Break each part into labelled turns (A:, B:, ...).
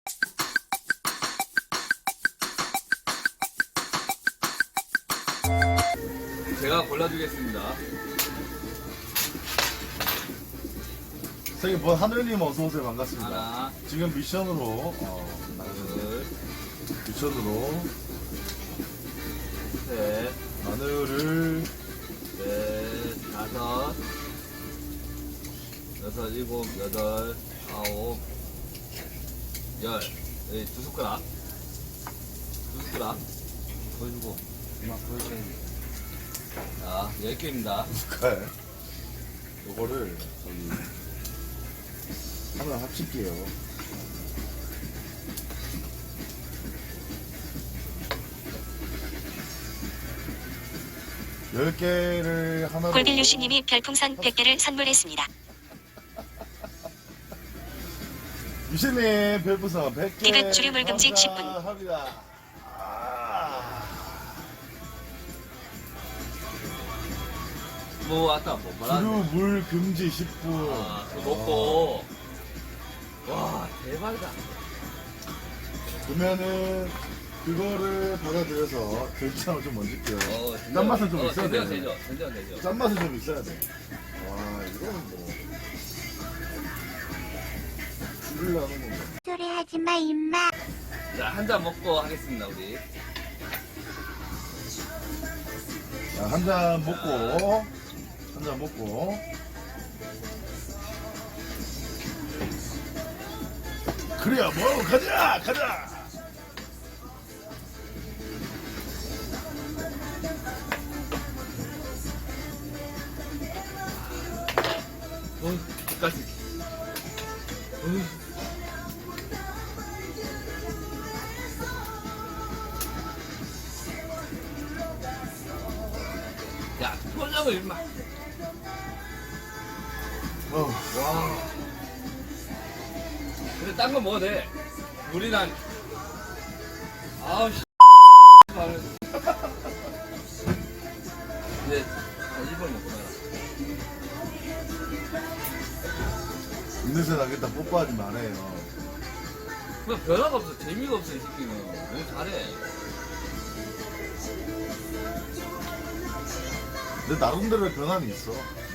A: 제가 골라주겠습니다.
B: 저기 뭐 하늘님 어서오세요. 반갑습니다.
A: 하나,
B: 지금 미션으로
A: 둘,
B: 미션으로
A: 셋,
B: 마늘을
A: 넷, 다섯, 여섯, 일곱, 여덟, 아홉, 열. 네, 두 숟가락. 두 숟가락. 보여주고. 이만 보여줘야지. 자, 10개입니다.
B: 숟갈 요거를 저기 하나 합칠게요. 열 개를 하나로
C: 골빌류시님이 별풍선 100개를 선물했습니다.
B: 유신님 별풍선 100개
C: 디귿 주류물 금지 10분.
B: 합니다.
A: 뭐, 아까 뭐, 말하는
B: 주류물 금지 10분.
A: 아, 그거 먹고. 와, 대박이다.
B: 그러면은 그거를 받아들여서 된장을 좀 얹을게요.
A: 진짜.
B: 짠맛은 좀 있어야
A: 된장
B: 돼.
A: 되죠. 된장 되죠.
B: 짠맛은 좀 있어야 돼. 와, 이거는 뭐. 죽으려는 건가.
C: 소리 하지 마, 임마.
A: 자, 한 잔 먹고 하겠습니다, 우리.
B: 자, 한 잔 먹고. 한 잔 먹고. 그래야 뭐, 가자! 가자!
A: 끝까지. 야, 표정을 임마. 와. 근데 딴 거 먹어도 돼. 우리는 아우 씨. 이제 한 1번 먹고 나라.
B: 입냄새 나겠다. 뽀뽀하지 말아요.
A: 뭐 변화가 없어. 재미가 없어 이 새끼는. 너무 잘해.
B: 내 나름대로의 변화는 있어.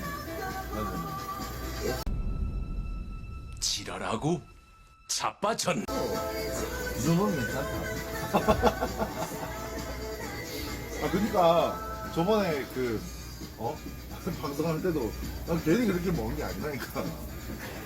D: 지랄하고 자빠졌네.
B: 이 정도는 괜찮다. 아, 그니까, 저번에 방송할 때도, 난 괜히 그렇게 먹은 게 아니라니까.